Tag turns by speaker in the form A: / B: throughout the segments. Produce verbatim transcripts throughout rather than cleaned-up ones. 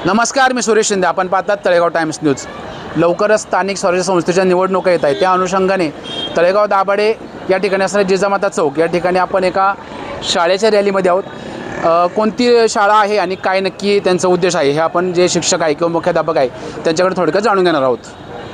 A: नमस्कार, मी सुरेश शिंदे. आपण पाहतात तळेगाव टाइम्स न्यूज. लवकरच स्थानिक स्वराज्य संस्थेच्या निवडणुका येत आहेत. त्या अनुषंगाने तळेगाव दाभाडे या ठिकाणी असणारे जिजामाता चौक या ठिकाणी आपण एका शाळेच्या रॅलीमध्ये आहोत. अ, कोणती शाळा आहे आणि काय नक्की त्यांचा उद्देश आहे हे आपण जे शिक्षक आहे किंवा मुख्याध्यापक आहे त्यांच्याकडे थोडक्यात जाणून घेणार आहोत.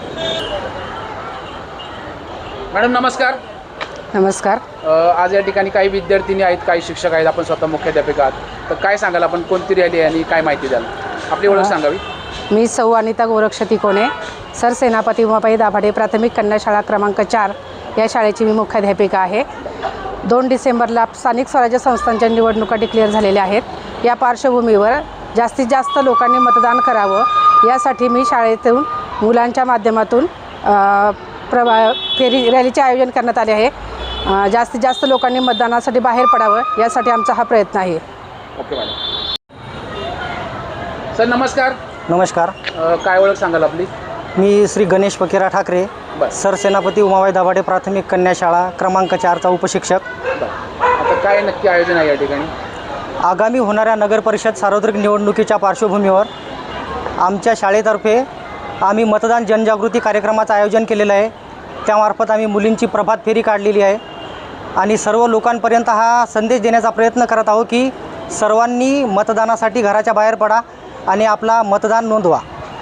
A: मॅडम नमस्कार.
B: नमस्कार.
A: अ, आज या ठिकाणी काही विद्यार्थिनी आहेत, काही शिक्षक आहेत, आपण स्वतः मुख्याध्यापक आहात. तर काय सांगाल, आपण कोणती रॅली आहे आणि काय माहिती द्याल? आपली ओळख सांगावी.
B: मी सौ अनिता गोरक्षती कोणे, सरसेनापती उमाबाई दाभाडे प्राथमिक कन्या शाळा क्रमांक चार या शाळेची मी मुख्याध्यापिका आहे. दोन डिसेंबरला स्थानिक स्वराज्य संस्थांच्या निवडणुका डिक्लेअर झालेल्या आहेत. या पार्श्वभूमीवर जास्तीत जास्त लोकांनी मतदान करावं यासाठी मी शाळेतून मुलांच्या माध्यमातून प्रवा फेरी रॅलीचे आयोजन करण्यात आले आहे. जास्तीत जास्त लोकांनी मतदानासाठी बाहेर पडावं यासाठी आमचा हा प्रयत्न आहे.
A: Okay madam. सर नमस्कार.
C: नमस्कार.
A: अ, काय ओळख सांगाल आपली?
C: मी श्री गणेश फकीरा ठाकरे,
A: बरं.
C: सरसेनापती उमाबाई दाभाडे प्राथमिक कन्या शाळा क्रमांक चारचा उपशिक्षक.
A: बरं. आता काय नक्की आयोजन आहे या ठिकाणी?
C: आगामी होणाऱ्या नगरपरिषद सार्वत्रिक निवडणुकीच्या पार्श्वभूमीवर आमच्या शाळेतर्फे आम्ही मतदान जनजागृती कार्यक्रमाचं आयोजन केलेलं आहे. त्यामार्फत आम्ही मुलींची प्रभात फेरी काढलेली आहे आणि सर्व लोकांपर्यंत हा संदेश देण्याचा प्रयत्न करत आहोत की सर्वांनी मतदानासाठी घराच्या बाहेर पडा आणि आपला मतदान नोंदवा.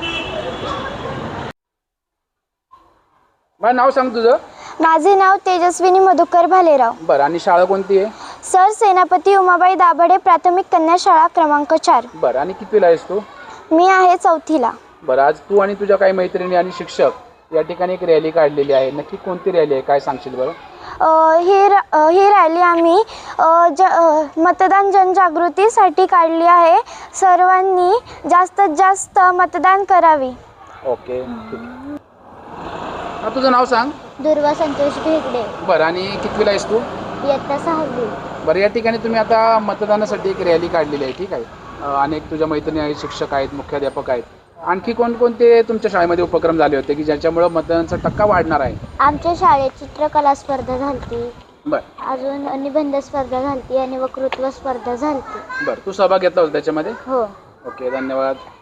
A: मला नाव सांग तुझं.
D: माझे नाव तेजस्विनी मधुकर भालेराव.
A: बरं. आणि शाळा कोणती आहे?
D: सर सेनापती उमाबाई दाभाडे प्राथमिक कन्या शाळा क्रमांक चार.
A: बरं. आणि कितवीला आहेस तू?
D: मी आहे चौथीला.
A: बरं. आज तू आणि तुझ्या काही मैत्रिणी आणि शिक्षक या ठिकाणी एक रॅली काढलेली आहे. नक्की कोणती रॅली आहे, काय सांगशील बरं?
D: अ, ही र अ, ही रॅली आम्ही अ, ज अ, मतदान जनजागृतीसाठी काढली आहे. सर्वांनी जास्तीत जास्त मतदान करावे.
A: ओके, ठीक आहे. हा, तुझं नाव सांग.
D: दुर्वा संतोष भेगडे.
A: बरं. आणि कितवीला आहेस तू?
D: इयत्ता सहावी.
A: बरं. या ठिकाणी तुम्ही आता मतदानासाठी एक रॅली काढलेली आहे, ठीक आहे. अ, अनेक तुझ्या मैत्रिणी आहेत, शिक्षक आहेत, मुख्याध्यापक आहेत. आणखी कोणकोणते तुमच्या शाळेमध्ये उपक्रम झाले होते की ज्याच्यामुळं मतदानाचा टक्का वाढणार आहे?
D: आमच्या शाळेत चित्रकला स्पर्धा झाली.
A: बरं.
D: अजून निबंध स्पर्धा झाली आणि वक्तृत्व स्पर्धा झाली.
A: बरं. तू सहभाग घेतला होता त्याच्यामध्ये?
D: हो.
A: ओके, धन्यवाद.